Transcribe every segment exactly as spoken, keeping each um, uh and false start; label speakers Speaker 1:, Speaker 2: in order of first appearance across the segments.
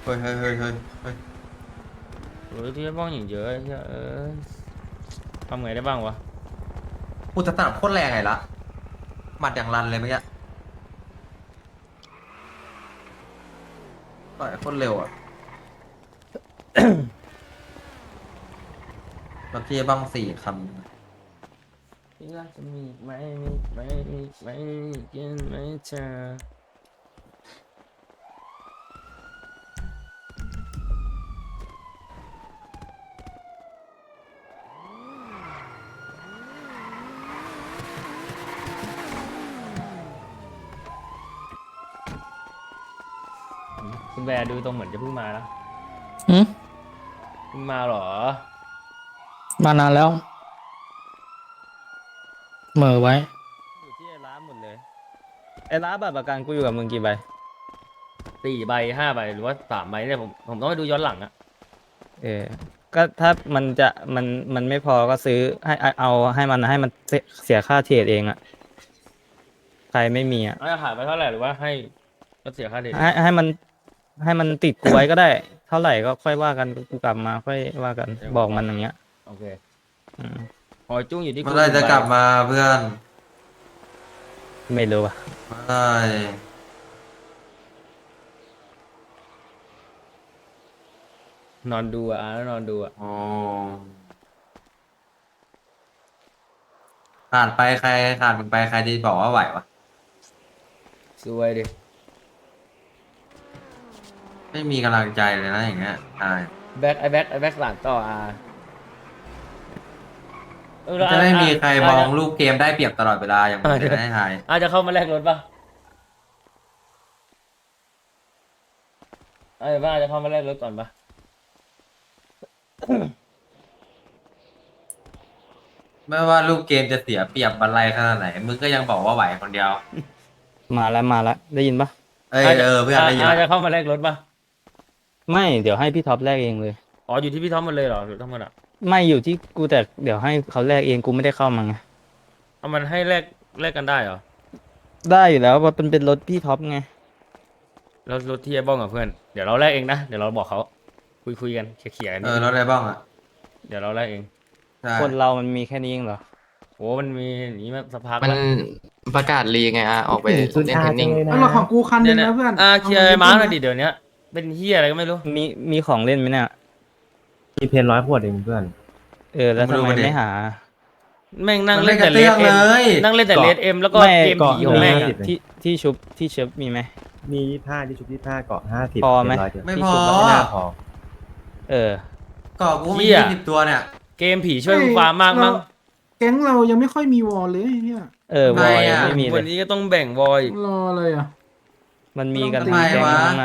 Speaker 1: เฮ้ยเฮ้ยเฮ้ยเฮ้ยเฮ้ย
Speaker 2: โอ้ยที่บ้องอย่างเยอะไอ้เหี้ยเออทำไงได้บ้างวะ
Speaker 1: อุตตะโคตรแรงไงละหมัดอย่างรันเลยเมื่อกี้ต่อยโคตรเร็วอ่ะรถที่บ้างสี่คัน
Speaker 2: ที่รักจะมีไหมมีไหมมีไหมกินไหมเธอคุณแบร์ดูตรงเหมือนจะเพิ่งมานะ
Speaker 3: หืม
Speaker 2: เพิ่งมาเหรอ
Speaker 3: มานานแล้วเหม่อไว้
Speaker 2: อยู่ที่ไอ้ร้านหมดเลยไอ้ร้านบัตรประกันกูอยู่กับมึงกี่ใบสี่ใบห้าใบหรือว่าสามใบเนี่ยผมผมต้องไปดูย้อนหลังอะเออก็ถ้ามันจะมันมันไม่พอก็ซื้อให้เอาให้มันให้มันเสียค่าเทรดเองอะใครไม่มีอะจะขายไปเท่าไหร่หรือว่าให้ก็เสียค่าเทรดให้ให้มันให้มันติดกูไว้ก็ได้เท่าไหร่ก็ค่อยว่ากันกูกลับมาค่อยว่ากันบอกมันอย่างเงี้ยโอเคอืมหอยจุ้งอยู่ที่
Speaker 1: เมื่
Speaker 2: กู
Speaker 1: อไรจะกลับมาเพื่อน
Speaker 2: ไม่รู้อะ
Speaker 1: เมื่อไร
Speaker 2: นอนดูอ่ะอ่ะแล้วนอนดูอ่ะ
Speaker 1: โอ้ขาดไปใครขาดมึงไปใครจะบอกว่าไหววะ
Speaker 2: สวยดิ
Speaker 1: ไม่มีกำลังใจเลยนะอย่างเงี้ยใช่
Speaker 2: แบ็คไอแบ็คไอแบ็คหลังต่ออ่ะเออแล้ว
Speaker 1: จะไม่มีใครมอง
Speaker 2: อาจจะ
Speaker 1: ลูกเกมได้เปรียบตลอดเวลาอย่างมึงเลยนะให้ทาย
Speaker 2: อาจจะเข้ามาแลกรถป่ะอาจจะว่าอาจจะเข้ามาแลกรถก่อนป่ะ
Speaker 1: ไม่ว่าลูกเกมจะเสียเปรียบบันไลขนาดไหนมึงก็ยังบอกว่าไหวคนเดียว
Speaker 3: มาแล้วมาแล้วได้ยินปะ
Speaker 1: เอ้ย
Speaker 2: อาจจะ
Speaker 1: เออเพื่อนได้ยินละ
Speaker 2: อาจจะเข้ามาแลกรถป่ะ
Speaker 3: ไม่เดี๋ยวให้พี่ท็อปแลกเองเลย
Speaker 2: อ๋ออยู่ที่พี่ท็อปหมันเลยเหรอหรือทั้งหมดอ่ะ
Speaker 3: ไม่อยู่ที่กูแต่เดี๋ยวให้เขาแลกเองกูไม่ได้เข้ามาไง
Speaker 2: เอามันให้แลกแลกกันได้เหรอ
Speaker 3: ได้อยู่แล้วเพราะมันเป็นรถพี่ท็อปไง
Speaker 2: แล้วรถที่ไอ้บ้องกับเพื่อนเดี๋ยวเราแลกเองนะเดี๋ยวเราบอกเขาคุยคุยกันเคลียร์ๆกัน
Speaker 1: เอ
Speaker 2: นิดนึง
Speaker 1: อรถอะไรบ้างอ่ะ
Speaker 2: เดี๋ยวเราแลกเอง
Speaker 1: ใช่
Speaker 3: คนเรามันมีแค่นี้เองเหรอ
Speaker 2: โอ้มันมีอย่างนี้มาสักพัก
Speaker 4: มัน
Speaker 2: ละ
Speaker 4: ประกาศรีไงอ่ะออกไปเล่นเทนนิ่ง
Speaker 5: แล้วรถของกูคันห
Speaker 2: เนี่ยเนี่ย
Speaker 5: นึงนะเพื่อน
Speaker 2: อ่าเคลียร์ไอ้มาร์กหน่อยดิ
Speaker 5: ดิ
Speaker 2: เดี๋ยวนี้เป็นเฮียอะไรก็ไม่รู้
Speaker 3: มีมีของเล่นไหมเนี่ย
Speaker 6: มีเพนร้อยขวดเองเพื่อน
Speaker 3: เออแล้วทำไมไม่หา
Speaker 2: แม่งนั่ง
Speaker 1: มัน
Speaker 2: เล่
Speaker 1: ไม่กระ
Speaker 2: นแต่เลด
Speaker 1: เตื้องเล
Speaker 2: เอ็ม
Speaker 1: ย
Speaker 2: นั่งเล่นแต่เลดเอ็มแล้วก็
Speaker 3: ไม่
Speaker 2: เกมผีของแม่งอะ
Speaker 3: ที่ที่ชุบที่เชฟมีไหม
Speaker 6: มียี่ห้าที่ชุบยี่ห้าเกาะห้าสิบ
Speaker 3: พอไหม
Speaker 6: ร้อยเดียว
Speaker 1: ไม่
Speaker 3: ที่
Speaker 1: พอ
Speaker 3: ชุบแล้ว
Speaker 6: ไม่น่าพอ
Speaker 3: เออ
Speaker 1: ก่อกูมี
Speaker 2: เหี้ย
Speaker 1: ยี่สิบตัวเนี่ย
Speaker 2: เกมผีช่วยกูฟาร์มมากมั้ง
Speaker 5: แก๊งเรายังไม่ค่อยมีวอลเลยเนี่ย
Speaker 3: เออวอยไม่มีเล
Speaker 2: วัน
Speaker 3: ย
Speaker 2: นี้ก็ต้องแบ่งวอย
Speaker 5: รอเลยอ่ะ
Speaker 3: มันมีกัน
Speaker 1: ทำไม
Speaker 3: ทั้งแก๊ง
Speaker 1: วะ
Speaker 3: ทั้งนั้นอะ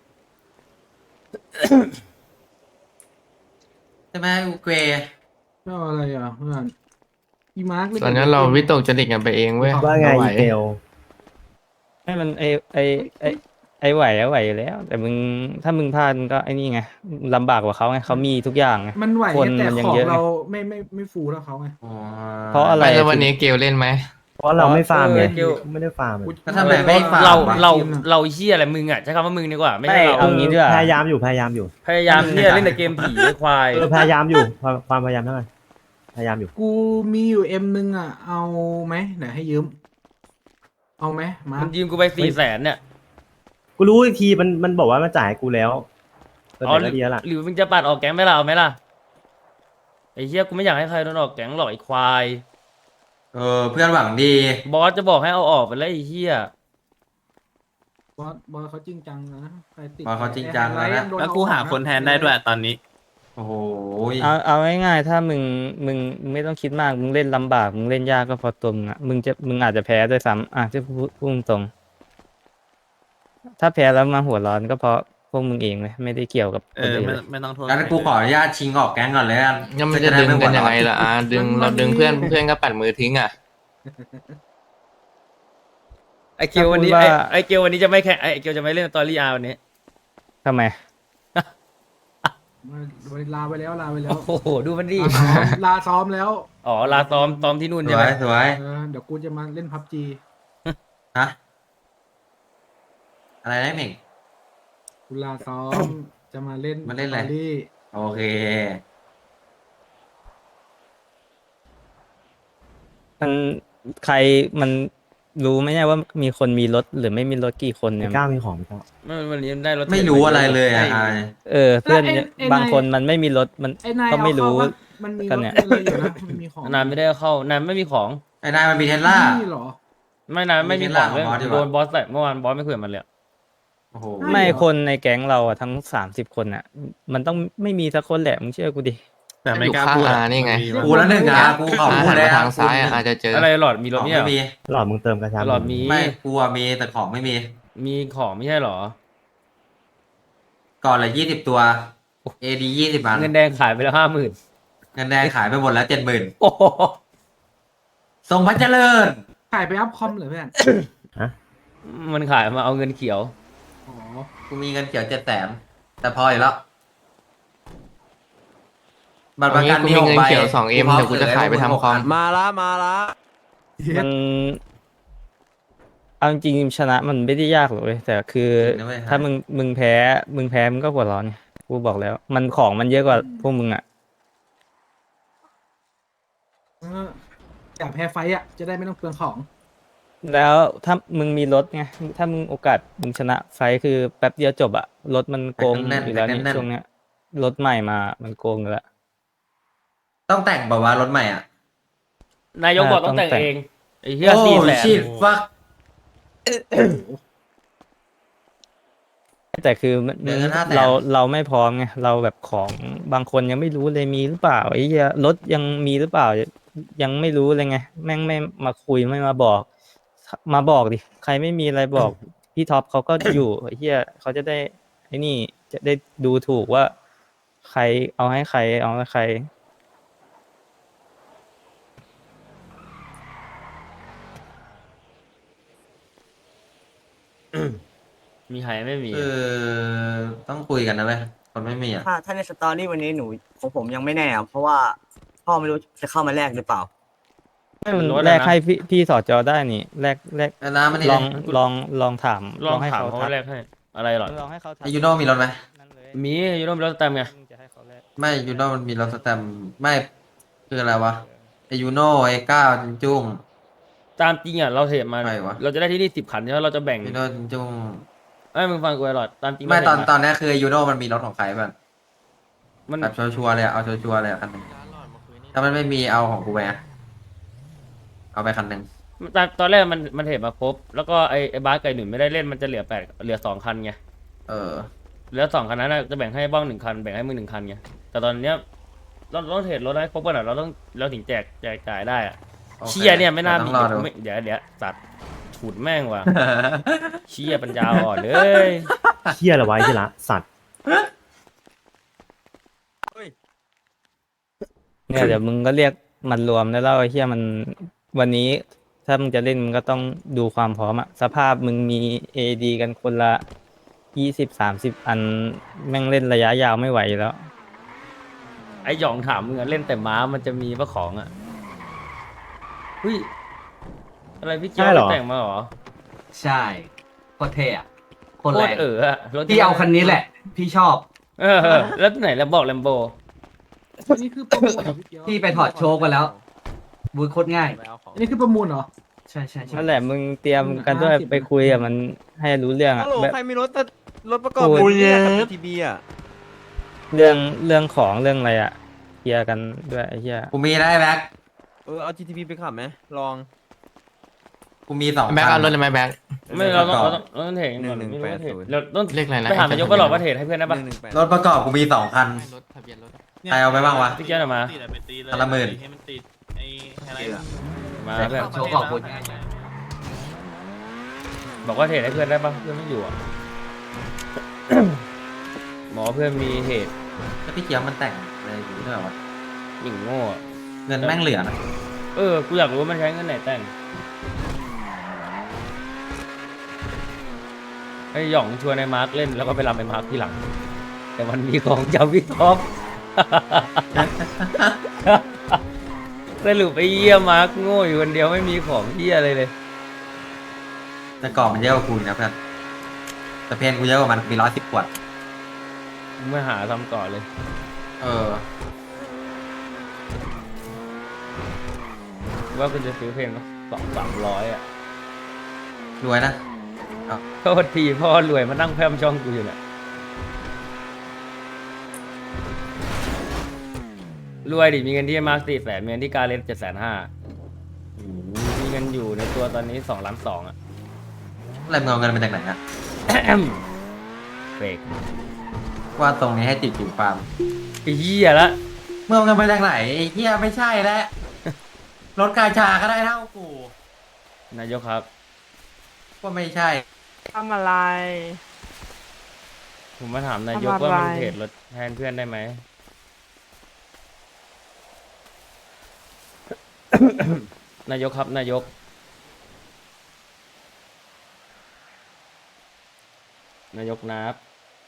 Speaker 1: ใช่ไหมอูเกร
Speaker 5: รออะไรอ่ะเพื่อนอีมาร์ก
Speaker 4: ตอนนั้นเราวิตกจริตกันไปเองเว้ย
Speaker 6: ว่าไง
Speaker 4: ม่หว
Speaker 6: อีเทล
Speaker 3: ให้มันไอไอไอไอไหวอะไหวอยู่แล้ว แต่มึงถ้ามึงพลาดมึงก็ไอนี่ไงลำบากกว่าเขาไงเขามีทุกอย่างไง
Speaker 5: มันไหว
Speaker 3: คน
Speaker 5: แต่
Speaker 3: มันยัง
Speaker 5: ของ
Speaker 3: เยอะไง
Speaker 5: เราไม่ไม่ไม่ฟูเท่าเขาไง
Speaker 1: อ๋อ
Speaker 3: เพราะอะไร
Speaker 4: ไม่แล้ววันนี้เกลเล่นไหม
Speaker 6: เพราะเราไม่ฟาร์มไง
Speaker 2: เออเกี่ยว
Speaker 6: ไม่ได้ฟาร์มเลย
Speaker 1: ก็ทำไมไม่ฝาก
Speaker 2: เรา
Speaker 1: วะ
Speaker 2: เราเราเฮียอะไรมึงอ่ะใช้คำว่ามึงดีกว่าไม่ใช่เรา
Speaker 3: เอางี้ดีกว่า
Speaker 6: พยายามอยู่พยายามอยู่
Speaker 2: พยายามเฮียเล่นแต่เกมผีไอ้ควาย
Speaker 6: เออพยายามอยู่ความความพยายามเท่าไหร่พยายามอยู่
Speaker 5: กูมีอยู่เอ็มนึงอ่ะเอาไหมเดี๋ยวให้ยืมเอาไหมมา
Speaker 2: มันยืมกูไปสี่แสนเนี่ย
Speaker 6: กูรู้อีกทีมันมันบอกว่ามันจ่ายให้กูแล้วเออ
Speaker 2: อ๋อ
Speaker 6: แต่
Speaker 2: หรือ
Speaker 6: ก็ดีแล้วล่ะ
Speaker 2: หรือมึงจะปัดออกแก๊งไหมล่ะเอาไหมล่ะไอ้เฮียกูไม่อยากให้ใครโดนออกแก๊งหรอกไอ้ควาย
Speaker 1: เออเพื่อนหวังดี
Speaker 2: บอสจะบอกให้เอาออกไปแล้วไอ้เฮีย
Speaker 5: บอสบอสเขาจริงจังนะใครติด
Speaker 1: บอสเขาจริงจังแล้วนะ
Speaker 5: ไอ้ไฮไลท์ยังโดน
Speaker 7: แล้วกูหาคนแทนได้ด้วยตอนนี้
Speaker 1: โอ้โห
Speaker 3: เอาเอาง่ายๆถ้ามึงมึงมึงไม่ต้องคิดมากมึงเล่นลำบากมึงเล่นยากก็พอตัวมึงอ่ะมึงจะมึงอาจจะแพ้ด้วยซ้ำอ่ะจะพูดพูดตรงๆถ้าแพ้แล้วมาหัวร้อนก็เพราะพวกมึงเองเลยไม่ได้เกี่ยวกับ
Speaker 7: เอ
Speaker 3: คน
Speaker 7: อ
Speaker 3: อื่น
Speaker 7: ไม่
Speaker 3: เลย
Speaker 7: ไม่ต้องโทษ
Speaker 1: งั้นกูขออนุญาตชิงออกแก๊งก่อนเลยกัน
Speaker 4: งั้นมันจะดึงกันยังไงล่ะอ่ะดึงเราดึงเพื่อนเพื่อนก็ปัดมือทิ้งอ่ะ
Speaker 2: ไอเกียววันนี้ไอไอเกียววันนี้จะไม่แข่งไอเกียวจะไม่เล่นสตอรี่อาร์วันนี้
Speaker 3: ทำไม
Speaker 5: ลาไปแล้วลาไปแล้ว
Speaker 2: โอ้โหดูมันดิ
Speaker 5: ลาซ้อมลาซ้อมแล้ว
Speaker 2: อ๋อลาซ้อมซ้อมที่นู่น
Speaker 1: ส
Speaker 2: ใช่
Speaker 1: ว
Speaker 2: ไหม
Speaker 1: ยสวย
Speaker 5: เออเดี๋ยวกูจะมาเล่นพับจี
Speaker 1: ฮะอะไรนะเหม่ง
Speaker 5: กุลาซ้อมจะมาเล่น
Speaker 1: มาเล่นอะไร
Speaker 5: สตรี่
Speaker 1: โอเค
Speaker 3: มันใครมันรู้ไหมเนี่ยว่ามีคนมีรถหรือไม่มีรถกี่คน
Speaker 6: ไอ้
Speaker 3: เนี่ย
Speaker 6: ก้าวมีของไหมก้าว
Speaker 2: มันวันนี้ได้รถ
Speaker 1: ไม่รู้อะไรเลยอ่ะอาย
Speaker 3: เออเพื่อนเนี่ยบางคนมันไม่มีรถมัน
Speaker 5: ไอ้นาย
Speaker 3: ก็
Speaker 5: เอา
Speaker 3: ไม่
Speaker 5: เข้า
Speaker 3: รู้
Speaker 5: ปะมันมี
Speaker 3: กั
Speaker 5: ร
Speaker 3: น
Speaker 5: ถ
Speaker 3: เนี่ย
Speaker 5: อะไรอยู่นะมันมีของ
Speaker 2: นานไม่ได้เข้านานไม่มีของ
Speaker 1: ไอ้นายมันมีเทสลา
Speaker 5: นี่เหรอ
Speaker 2: ไม่นานไม่มีของเลย
Speaker 1: มีเทสลาของบอสดีกว่า
Speaker 2: โดนบอสแต่เมื่อวานบอสไม่คุยกับมันเลยอะ
Speaker 1: โอ้โห
Speaker 5: ไม่
Speaker 3: ไม่
Speaker 5: เหรอ
Speaker 3: คนในแก๊งเราอะทั้งสามสิบคนอะมันต้องไม่มีสักคนแหละมึงเชื่อกูดิ
Speaker 7: แต่ไม่
Speaker 4: อยู่
Speaker 7: กล้า
Speaker 4: ข้าง
Speaker 7: พูด
Speaker 4: อานี่ไง
Speaker 1: กูแล้วหนึ่งอ่ะกูขอ
Speaker 4: อา
Speaker 1: พู
Speaker 4: หั
Speaker 1: ด
Speaker 4: น
Speaker 1: เลย
Speaker 4: มา
Speaker 1: อ่ะ
Speaker 4: ทางซ้ายอ่ะอาจจะเจอ
Speaker 2: อะไรหลอดมีร
Speaker 1: ข
Speaker 2: ถ
Speaker 1: อง
Speaker 2: เนี่ยเหร
Speaker 1: ไม่
Speaker 2: อ
Speaker 1: มี
Speaker 6: หลอดมึงเติมกระชับ
Speaker 2: หลอดมี
Speaker 1: ไม่กูอะมีแต่ของไม่มี
Speaker 2: มีของไม่ใช่เหรอ
Speaker 1: ก่อนละยี่สิบตัว เอดียี่สิบอัน
Speaker 2: เงินแดงขายไปแล้วห้าหมื่น
Speaker 1: เงินแดงขายไปหมดแล้วเจ็ดหมื่น
Speaker 2: โอ้โห
Speaker 1: ทรงพระเจริญ
Speaker 5: ขายไปอัพคอมเหรอเพื่อน
Speaker 2: มันขายมาเอาเงินเขียว
Speaker 5: อ๋อ
Speaker 1: กูมีเงินเขียวเจ็ดแสนแต่พออยู่แล้วบัตรป
Speaker 4: วั
Speaker 1: ระ
Speaker 4: น
Speaker 1: กั
Speaker 4: นี้
Speaker 1: น
Speaker 4: กู
Speaker 1: มี
Speaker 4: มี
Speaker 1: หก
Speaker 4: เงิน
Speaker 1: ใบ
Speaker 4: เขียวสองเอ็มเดี๋ยวกูจะขายไปทำคอม
Speaker 8: มาละมาละ
Speaker 3: มันเอาจริงๆชนะมันไม่ได้ยากหรอกเว้ยแต่คือ
Speaker 1: นะเว้ย
Speaker 3: ถ้ามึงมึงแพ้มึงแพ้มึงก็หัวร้อนไงกูบอกแล้ว มันของมันเยอะกว่าพวกมึงอะ
Speaker 5: เอออยากแพ้ไฟต์อ่ะ จะได้ไม่ต้องเปลืองของ
Speaker 3: แล้วถ้ามึงมีรถไงถ้ามึงโอกาสมึงชนะไฟท์คือแป๊บเดียวจบอะรถมันโกงอยู่แล้วนี่ช่วงเนี้ยรถใหม่มามันโกงอยู่แล้ว
Speaker 1: ต้องแต่งแบบว่ารถใหม่อ่ะ
Speaker 2: นายกบอกต้องแต่งเองไอ้เหี้ย
Speaker 1: โอ้
Speaker 2: สี่แสน
Speaker 1: ชิดฟัก
Speaker 3: แต่คือมัน
Speaker 1: เดือนละห้าแสน
Speaker 3: เราเราไม่พร้อมไงเราแบบของบางคนยังไม่รู้เลยมีหรือเปล่าไอ้เหี้ยรถยังมีหรือเปล่า ยังไม่รู้เลยไงแม่งไม่มาคุยไม่มาบอก มาบอกดิใครไม่มีอะไรบอก พี่ท็อปเขาก็อยู่ไอ้เหี้ยเขาจะได้ไอ้นี่จะได้ดูถูกว่า ใครเอาให้ใครเอาให้ใคร
Speaker 2: มีใครไม่มี
Speaker 1: คือต้องคุยกันนะเว้ยคนไม่มีอ่ะ
Speaker 8: ถ้าถ้าในสตอรี่วันนี้หนูของผมยังไม่แน่อะเพราะว่าพ่อไม่รู้จะเข้ามาแลกหรือเปล่า
Speaker 3: ไม่มัน
Speaker 2: รถอะนะ
Speaker 3: แลกให้พี่พี่สอจอได้นี่แลกแลก
Speaker 1: ไอ้น้ำมันนี่
Speaker 3: ลองลองลองถาม
Speaker 2: ลอง
Speaker 3: ให้
Speaker 2: ถาม
Speaker 3: เขา
Speaker 2: เขา
Speaker 3: ทัก
Speaker 2: แรกให้ อะไรหรอ
Speaker 3: ลองให้เขาทัก
Speaker 1: ไอยูโน่มีรถไหม
Speaker 3: นั่นเลย
Speaker 2: มียูโรมีรถสแตมป์ไง
Speaker 3: มึงจะให้เขาแลก
Speaker 1: ไม่ยูโน่มันมีรถสแตมป์ไม่คืออะไรวะไอยูโน่ไอก้าวจินจุ้ง
Speaker 2: ตามจริงอ่ะเราเหตุมา
Speaker 1: ใครวะ
Speaker 2: เราจะได้ที่นี่สิบคันใช่ไหมเราจะแบ่ง
Speaker 1: ยูโน่จินจุ้ง
Speaker 2: ไอ้ยมึงฟังกูไอ้หลอดตามจริง
Speaker 1: ไม่ตอน
Speaker 2: เราเหตุา
Speaker 1: ตอนนี้คือยูโน่มันมีรถของใครบ้าง
Speaker 2: มัน
Speaker 1: แบบชัวร์ๆเลยอะเอาชัวร์ๆเลยอะคันหนึ่งถ้ามันไม่มีเอาของกูไปอะเอาไปคันหนึ่ง
Speaker 2: ตอนตอนแรกมันมันเหตุมาครบ แล้วก็ไอ้ไอ้บาสไก่หนุนไม่ได้เล่นมันจะเหลือแปดเหลือสองคันไง
Speaker 1: เออ
Speaker 2: เหลือสองคันนั้นน่ะจะแบ่งให้บ้องหนึ่งคันแบ่งให้มึงหนึ่งคันไงแต่ตอนเนี้ยเราเราต้องเทรดรถให้ครบก่อนอะเราต้องเราถึงแจกแจกจ่ายได้อะ
Speaker 1: โอค
Speaker 2: เชียเนี่ยไม่น่า
Speaker 1: ต้
Speaker 2: มี
Speaker 1: องรอดู
Speaker 2: ไม่เดี๋ยวเดี๋ยวสัตว์ฉุดแม่งว่ะ เชียปัญญาอ่อนเลย
Speaker 6: เชี่ยละไว้ที่ละสัตว์
Speaker 3: เนี่ยเดี๋ยวมึงก็เรียกมันรวมแล้วเล่าไอ้เหี้ยมันวันนี้ ถ้ามึงจะเล่นมึงก็ต้องดูความพร้อมอะสภาพมึงมีเอดีกันคนละยี่สิบสามสิบอันแม่งเล่นระยะยาวไม่ไหวอยู่แล้ว
Speaker 2: ไอ้หยองถามมึงอะเล่นแต่ม้ามันจะมีปะของอะเฮ้ยอะไรพี่เจ้า
Speaker 6: ใช่เหรอ
Speaker 2: ไปแต่งมาเหรอ
Speaker 9: ใช่โคตรเท่อะโคตร
Speaker 2: โค
Speaker 9: แร
Speaker 2: ต
Speaker 9: ง
Speaker 2: รเอออะรถ
Speaker 9: พี่เอาคันนี้แหละ พี่ชอบ
Speaker 2: เออเออแล้วไหนแล้วบอกแลมโบ
Speaker 5: อันนี้คือประมูลเหรอพี่เกียว
Speaker 9: พี่ไปถอดโชคมาแล้วบูทโคตรง่าย
Speaker 5: อันนี้คือประมูลเหรอ
Speaker 9: ใช่ใช่ใช่
Speaker 3: นั่นแหละมึงเตรียมกันด้วย
Speaker 5: ห้าสิบ
Speaker 3: ไปคุยกับมันให้รู้เรื่องอะ
Speaker 8: ฮัลโหล
Speaker 3: แบบ
Speaker 8: ใครมีรถแต่รถประกอบ
Speaker 3: โอ้ย
Speaker 8: แบบนี้กับทีบีอ่ะ
Speaker 3: เรื่องเรื่องของเรื่องอะไรอะเคลียร์กันด้วยไอ้เหี้ย
Speaker 1: กูมีได้แบ็ค
Speaker 8: เออเอา จี ที บี ไปขับไหมลอง
Speaker 1: กูมีสอง
Speaker 4: แบ็ค
Speaker 1: คั
Speaker 4: เอา
Speaker 1: น
Speaker 4: รถเลยไหมแบ็ค
Speaker 2: ไม่เราต้อง
Speaker 1: ประกอบ
Speaker 2: เราต้องเราต้องเทรดก่อน
Speaker 8: หนึ่งหนึ่ง
Speaker 2: ไม่รู้ว่าเทรด
Speaker 8: แปดศูนย์
Speaker 2: เราต้อง
Speaker 4: เลขอะไรนะ
Speaker 2: ไปถามนายกก็หลอกว่าเทรดให้เพื่อนได้ปะ
Speaker 8: หนึ่งหนึ่งแปด
Speaker 1: รถประกอบกูมีสองคัน
Speaker 4: รถทะเบียนรถ
Speaker 1: ใครเอาไปบ้างวะ
Speaker 2: พี่เจ้าหน่อยมา
Speaker 1: คันละหมื่น
Speaker 7: ให้มันติดไอ้อะไร
Speaker 2: มาเพื่อน
Speaker 9: โชคขอบคุณ
Speaker 2: บอกว่าเทรดให้เพื่อนได้ปะเพื่อนไม่อยู่อะ หมอเพื่อนมีเหตุ
Speaker 1: แล้วพี่เกียวมันแต่งอะไรอยู่ด้วยวะ
Speaker 2: หยิ่งโง่อะ
Speaker 1: เงินแม่งเหลือนะ
Speaker 2: เออกูอยากรู้ว่ามันใช้เงินไหนแต่งไอ้หย่องชวนไอ้มาร์คเล่นแล้วก็ไปรำไอ้มาร์คที่หลัง แต่มันมีของจำพี่ท็อป สรุปไอ้เยี่ยมาร์คโง่อยู่คนเดียวไม่มีของเยี่ยอะไรเลย
Speaker 1: แต่กรอบมันเยอะกว่ากูอีกนะเพื่อนแต่เพนกูเยอะกว่ามันมีร้อยสิบขวด
Speaker 2: มึงไม่หาทำก่อนเลย
Speaker 1: เออ
Speaker 2: ว่าคุณจะซื้อเพลงสองสามร้อยอ่ะ
Speaker 1: รวยนะ
Speaker 2: โทษทีพ่อรวยมานั่งแพร่มช่องกูอยู่เนี่ยรวยดิมีเงินที่มาร์คสี่แสนมีเงินที่การเลสเจ็ดแสนห้ามีเงินอยู่ในตัวตอนนี้สองล้านสองอ่ะ
Speaker 1: อะไรมึงเอาเงินมาจากไหนอะ
Speaker 2: เฟก
Speaker 1: ว่าตรงนี้ให้ติดอยู่ฟาร์ม
Speaker 2: ไอ้เหี้ยละ
Speaker 1: มึงเอาเงินมาจากไหนไอ้เหี้ยไม่ใช่แล้ว รถกาชาก็ได้เท่ากู
Speaker 2: นายกครับ
Speaker 1: ว่าไม่ใช่
Speaker 10: ทำอะไร
Speaker 2: ผมมาถามนายก
Speaker 10: ทำอะไร
Speaker 2: ว่ามันเทรดรถแทนเพื่อนได้ไหม นายกครับนายก นายกนับ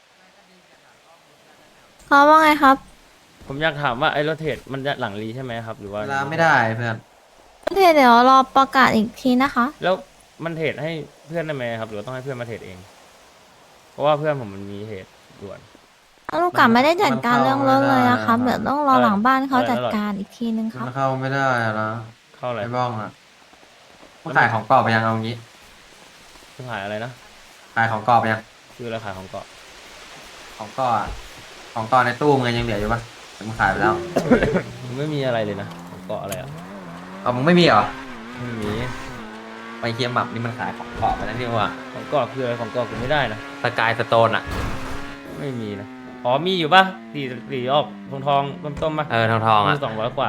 Speaker 10: เขาว่าไงครับ
Speaker 2: ผมอยากถามว่าไอ้รถเทรดมันจะหลังรีใช่ไหมครับ หรือว่า
Speaker 1: เวลาไม่ได้เพื่อน
Speaker 10: เทเดี๋ยวรอประกาศอีกทีนะคะ
Speaker 2: แล้วมันเทรดให้เพื่อนได้ไหมครับ หรือว่าต้องให้เพื่อนมาเทรดเอง เพราะว่าเพื่อนผมมันมีเหตุด่วน
Speaker 10: ลูกกลับไม่ได้จัดการเรื่องรถเลยนะครับ
Speaker 1: มัน
Speaker 10: เดี๋ยวต้องรอ
Speaker 2: อะไร
Speaker 10: หลังบ้านเขา
Speaker 2: อะไร
Speaker 10: จัดการอีกทีนึงครับ
Speaker 1: มันเข้าไม่ได้อะนะ
Speaker 2: เข้าอะไร
Speaker 1: ไอ้บ้องอะมึงขายของกรอบไปยังเอางี้
Speaker 2: ขายอะไรนะ
Speaker 1: ขายของกรอบไปยัง
Speaker 2: คือราคายของเกาะ
Speaker 1: ของกรอบอะของกรอบในตู้มึงยังเหลืออยู่ปะแต่มึงขายไปแล้ว
Speaker 2: มันไม่มีอะไรเลยนะของเกาะอะไรอ่ะ
Speaker 1: เอามึงไม่มีเหรอ
Speaker 2: ไม่มี
Speaker 1: ไปเคียมหมับนี่มันขายของกรอบไปแล้วนี่ว่า
Speaker 2: ของเกาะคืออะไรของเกาะกูไม่ได้นะ
Speaker 1: สกายสโตนอะ
Speaker 2: ไม่มีนะ อ๋อมีอยู่ปะสีสีออกทองทองต้มต้มๆปะ
Speaker 1: เออทองทองอะ
Speaker 2: สองร้อยกว่า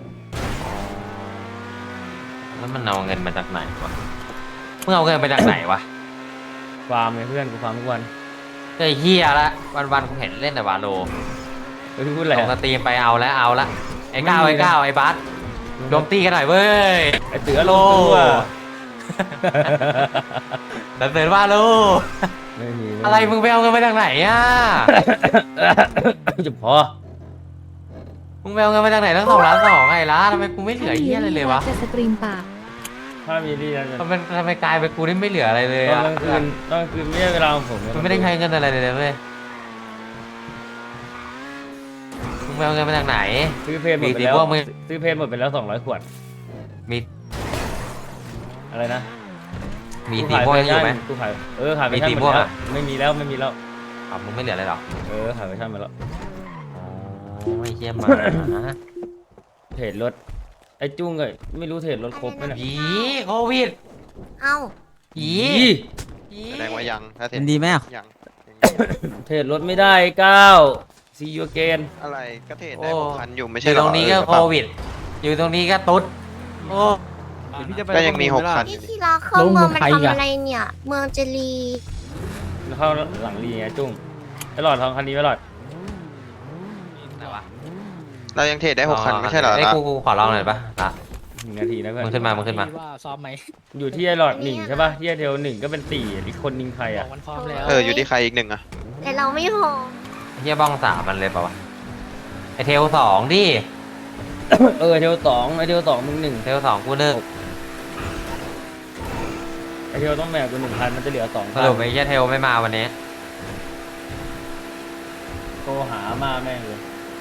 Speaker 1: แล้วมันเอาเงินมาจากไหนวะมึงเอาเงินไปจากไหนวะ
Speaker 2: ฟาร์มไงเพื่อนกูฟาร์มทุกวัน
Speaker 1: ไอ้เฮียละวันวันๆกูเห็นเล่นแต่วาโล
Speaker 2: เฮ้ยพูดอะไร
Speaker 1: ส่งส
Speaker 2: อะ
Speaker 1: ตรีมไปเอาแล้วเอาละไอ้ก้าว
Speaker 2: ไม่มี
Speaker 1: ไอ้ก้าวไอ้บัสโจมตีกันหน่อยเว้ย
Speaker 2: ไอเตือ
Speaker 1: โล
Speaker 2: โลอ่ะ
Speaker 1: แต่เสร็จว่าโล
Speaker 2: ไม่มี
Speaker 1: อะไรมึงไปเอาเงินมาจากไหนอ่ะ
Speaker 2: จะพอ
Speaker 1: มึงไปเอาเงินมาจากไหนตั้งสองล้านสองไงล่ะทำไมกูไม่เหลือเฮียอะไรเลยวะ
Speaker 10: จะสตรีมปาก
Speaker 2: ถ้ามีที่นั่นจะ
Speaker 1: ทำไมทำไมกลายเป็นกูนี่ไม่เหลืออะไรเลย
Speaker 2: ตอน
Speaker 1: อ่ะ
Speaker 2: กลางคืนตอนกลางคืนไม่ใช่เวลาของผมนะ
Speaker 1: มันไม่ได้ใช้เงินอะไรเลยเว้ยมึงไปเอาเงินมาจากไหน
Speaker 2: ซื้อเพลงหมดไป
Speaker 1: มี
Speaker 2: แล้ว
Speaker 1: พวกมึง
Speaker 2: ซื้อเพลงหมดไปแล้วสองร้อยขวด
Speaker 1: มี
Speaker 2: อะไรนะ
Speaker 1: มีสีม่วงยังอยู่ไหม
Speaker 2: กูขายเออขายไป
Speaker 1: มี
Speaker 2: ชั่น
Speaker 1: สี
Speaker 2: หม
Speaker 1: ม่ว
Speaker 2: ด
Speaker 1: ง
Speaker 2: แล้ว
Speaker 1: อะ
Speaker 2: ไม่มีแล้วไม่มีแล้ว
Speaker 1: อ๋อมึงไม่เหลืออะไรหรอ
Speaker 2: เออขายไปชั่นหมดแล้ว
Speaker 1: โอ้ยเฮียหมา
Speaker 2: เทรดรถไอ้จุ้งเลยไม่รู้เทรดรถครบไหมเนี่ย
Speaker 1: ผีโควิด
Speaker 10: เอ้า
Speaker 1: ผี ผี
Speaker 11: แสดงว่ายังถ้าเท
Speaker 3: เป็นดีไหมอ่ะ
Speaker 11: ยัง
Speaker 2: เทรดรถไม่ได้เก้าซีโยเกน
Speaker 11: อะไรก็เทรดได้
Speaker 1: โอ้
Speaker 11: หกพันอยู่ไม่
Speaker 1: อ
Speaker 11: ใช่
Speaker 1: ยู่
Speaker 11: เหร
Speaker 1: ต
Speaker 11: อ
Speaker 1: รงนี้ก็
Speaker 11: เออ
Speaker 1: โควิด อยู่ตรงนี้ก็ตุ๊ดโอ้
Speaker 11: ก็ยังมีหกพันอ
Speaker 10: นี่
Speaker 11: ยู่
Speaker 10: ที่รักเข้าเมืองมันทำอะไรเนี่ย เมืองเจรี
Speaker 2: เข้าหลังรีไงจุ้งไอ้หลอดทองคันนี้ไว้หลอด
Speaker 1: ไหนวะ
Speaker 11: เรายังเทรดได้หกพันไม่ใช่เหรอ
Speaker 1: ไอ้ย
Speaker 11: ล่ะ
Speaker 1: กูกูขอลองหน่อยปะละ
Speaker 2: หนึ่งนาทีนะเพื่อน
Speaker 1: มึงขึ้นมามึงขึ้นมา
Speaker 2: อยู่ที่ไอ้หลอดหนึ่งใช่ป่ะที่ไอ้เทลหนึ่งก็เป็นสี่อีกคนนึงใครอ่ะ
Speaker 11: เอออยู่ที่ใครอีกหนึ่งอะ
Speaker 10: แต่เราไม่พอ
Speaker 1: เฮียบ้องสามมันเลยเปล่าวะไอเทลสองดิ
Speaker 2: เออเทลสองไอ้เทลสองมึงหนึ่ง
Speaker 1: เทลสองกูหนึ่ง
Speaker 2: ไอ้เทลต้องแบ่งกูหนึ่งพันมันจะเหลือสอง
Speaker 1: ส
Speaker 2: พัน
Speaker 1: รุปไอ้เฮียเทลไม่มาวันนี้
Speaker 2: โทรหามาแม่งเลย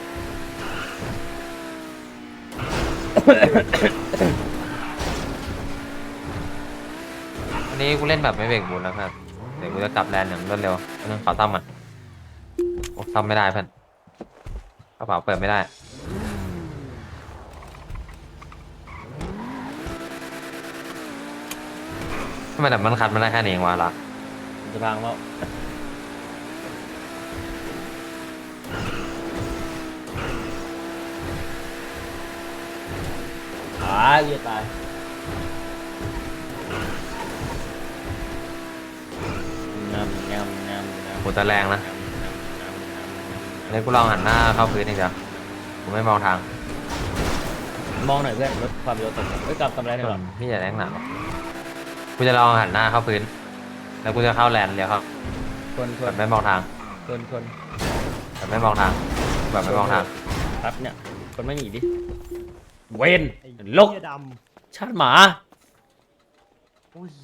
Speaker 1: วันนี้กูเล่นแบบไม่เบรกบูนแล้วครับเดี๋ยวกูจะกลับแลนด์อย่างรวดเร็วเรื่องขอซ่อมมันโอ้ซ่อมไม่ได้เพื่อนกระเป๋าเปิดไม่ได้ทำไมแต่มันคัดมันได้แค่นี้เองวะล่ะ
Speaker 2: จะพังแล้วตายเวียตายงำงำงำงำ
Speaker 1: กูจะแรงนะอันนี้กูลองหันหน้าเข้าพื้นอีกเดียวกูไม่มองทาง
Speaker 2: มองหน่อยเพื่อนลดความเร็วตกเอ้ยกลับทำอะไรได้หรอ
Speaker 1: พี่อย่าแรงหนาหรอกกูจะลองหันหน้าเข้าพื้น แล้วกูจะเข้าแลนด์เลี้ยวครับ
Speaker 2: คนค
Speaker 1: แบ
Speaker 2: น
Speaker 1: บไม่มองทาง
Speaker 2: คนคน
Speaker 1: แบบไม่มองทาง แบบไม่มองทาง
Speaker 2: ครับเนี่ยคนไม่หนีดิเวนลก
Speaker 6: เหี้ยดำ
Speaker 2: ชาติหมา